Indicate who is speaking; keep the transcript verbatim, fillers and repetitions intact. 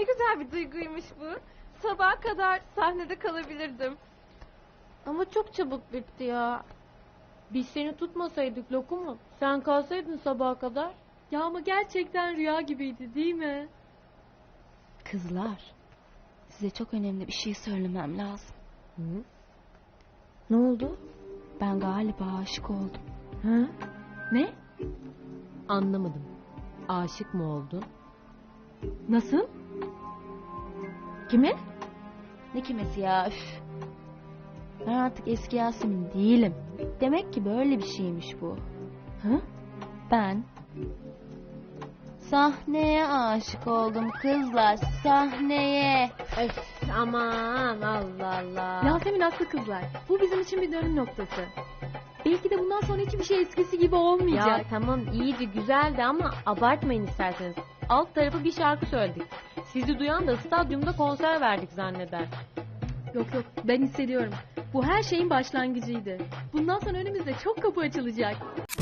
Speaker 1: Ne güzel bir duyguymuş bu. Sabaha kadar sahnede kalabilirdim. Ama çok çabuk bitti ya. Biz seni tutmasaydık Lokumu, sen kalsaydın sabaha kadar. Ya ama gerçekten rüya gibiydi değil mi?
Speaker 2: Kızlar, size çok önemli bir şey söylemem lazım.
Speaker 1: Hı? Ne oldu?
Speaker 2: Ben galiba aşık oldum.
Speaker 1: Ha? Ne? Anlamadım. Aşık mı oldun? Nasıl? Kime?
Speaker 2: Ne kimesi ya, üf. Ben artık eski Yasemin değilim. Demek ki böyle bir şeymiş bu.
Speaker 1: Ha?
Speaker 2: Ben sahneye aşık oldum kızlar, sahneye.
Speaker 1: Öf, aman Allah Allah.
Speaker 3: Yasemin haklı kızlar. Bu bizim için bir dönüm noktası. Belki de bundan sonra hiçbir şey eskisi gibi olmayacak.
Speaker 1: Ya tamam iyiydi güzeldi ama abartmayın isterseniz. Alt tarafı bir şarkı söyledik. Sizi duyan da stadyumda konser verdik zanneder.
Speaker 3: Yok yok, ben hissediyorum. Bu her şeyin başlangıcıydı. Bundan sonra önümüzde çok kapı açılacak.